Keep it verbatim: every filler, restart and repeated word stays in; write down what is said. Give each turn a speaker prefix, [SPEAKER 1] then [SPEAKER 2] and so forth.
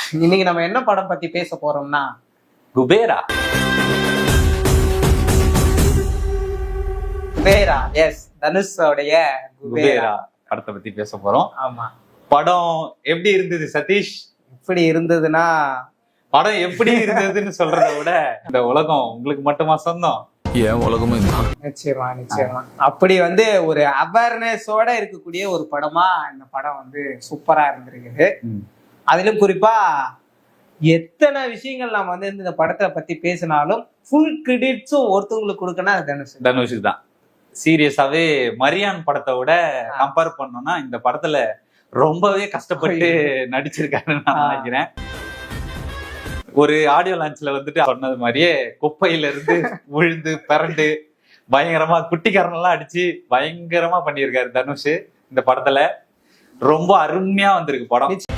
[SPEAKER 1] இன்னைக்கு நம்ம என்ன படம் பத்தி பேச போறோம்னா
[SPEAKER 2] குபேரா.
[SPEAKER 1] குபேரா, எஸ், தனுஷோடைய
[SPEAKER 2] குபேரா படத்தை பத்தி பேச போறோம்.
[SPEAKER 1] ஆமா,
[SPEAKER 2] படம் எப்படி இருந்தது சதீஷ்?
[SPEAKER 1] இப்படி இருந்ததுன்னா
[SPEAKER 2] படம் எப்படி இருந்ததுன்னு சொல்றதை விட இந்த உலகம் உங்களுக்கு மட்டுமா சொந்தம்?
[SPEAKER 3] ஏன் உலகமும் தான்.
[SPEAKER 1] நிச்சயமா நிச்சயமா அப்படி வந்து ஒரு அவேர்னஸோட இருக்கக்கூடிய ஒரு படமா இந்த படம் வந்து சூப்பரா இருந்திருக்குது. அதிலும் குறிப்பா எத்தனை விஷயங்கள் நம்ம வந்து இந்த படத்தை பத்தி பேசினாலும் ஃபுல் கிரெடிட்ஸும் ஒருத்தவங்களுக்கு கொடுக்கணும் அது தனுஷ்
[SPEAKER 2] தனுஷுக்கு தான். சீரியஸாவே மரியான் படத்தை விட கம்பேர் பண்ணோம்னா இந்த படத்துல ரொம்பவே கஷ்டப்பட்டு நடிச்சிருக்காருன்னு நான் நினைக்கிறேன். ஒரு ஆடியோ லான்ச்ல வந்துட்டு சொன்னது மாதிரியே குப்பையில இருந்து விழுந்து பிறண்டு பயங்கரமா குட்டிக்காரனெல்லாம் அடிச்சு பயங்கரமா பண்ணியிருக்காரு தனுஷ். இந்த படத்துல ரொம்ப அருமையா வந்திருக்கு படம்.